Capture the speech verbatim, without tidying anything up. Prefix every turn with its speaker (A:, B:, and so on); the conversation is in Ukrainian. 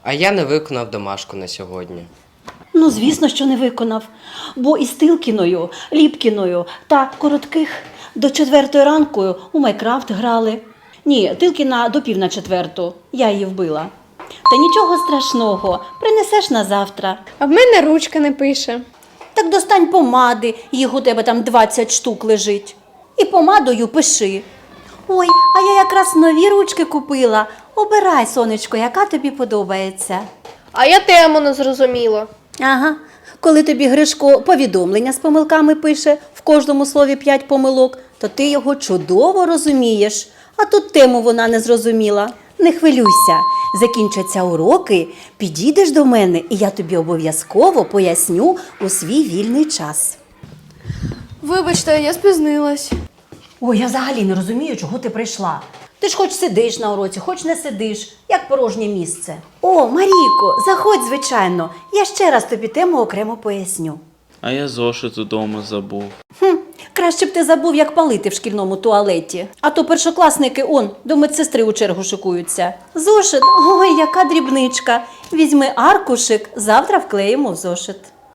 A: А я не виконав домашку на сьогодні.
B: Ну, звісно, що не виконав. Бо із Тилкіною, Ліпкіною та Коротких до четвертої ранку у Майкрафт грали. Ні, Тилкіна до пів на четверту. Я її вбила. Та нічого страшного, принесеш на завтра.
C: А в мене ручка не пише.
B: Так достань помади, їх у тебе там двадцять штук лежить. І помадою пиши. Ой, а я якраз нові ручки купила. Обирай, сонечко, яка тобі подобається.
C: А я тему не зрозуміла.
B: Ага, коли тобі Гришко повідомлення з помилками пише, в кожному слові п'ять помилок, то ти його чудово розумієш. А тут тему вона не зрозуміла. Не хвилюйся, закінчаться уроки, підійдеш до мене, і я тобі обов'язково поясню у свій вільний час.
C: Вибачте, я спізнилась.
B: Ой, я взагалі не розумію, чого ти прийшла. Ти ж хоч сидиш на уроці, хоч не сидиш, як порожнє місце. О, Марійко, заходь, звичайно, я ще раз тобі тему окремо поясню.
D: А я зошит удома забув.
B: Хм, краще б ти забув, як палити в шкільному туалеті. А то першокласники, он, до медсестри у чергу шикуються. Зошит, ой, яка дрібничка. Візьми аркушик, завтра вклеїмо в зошит.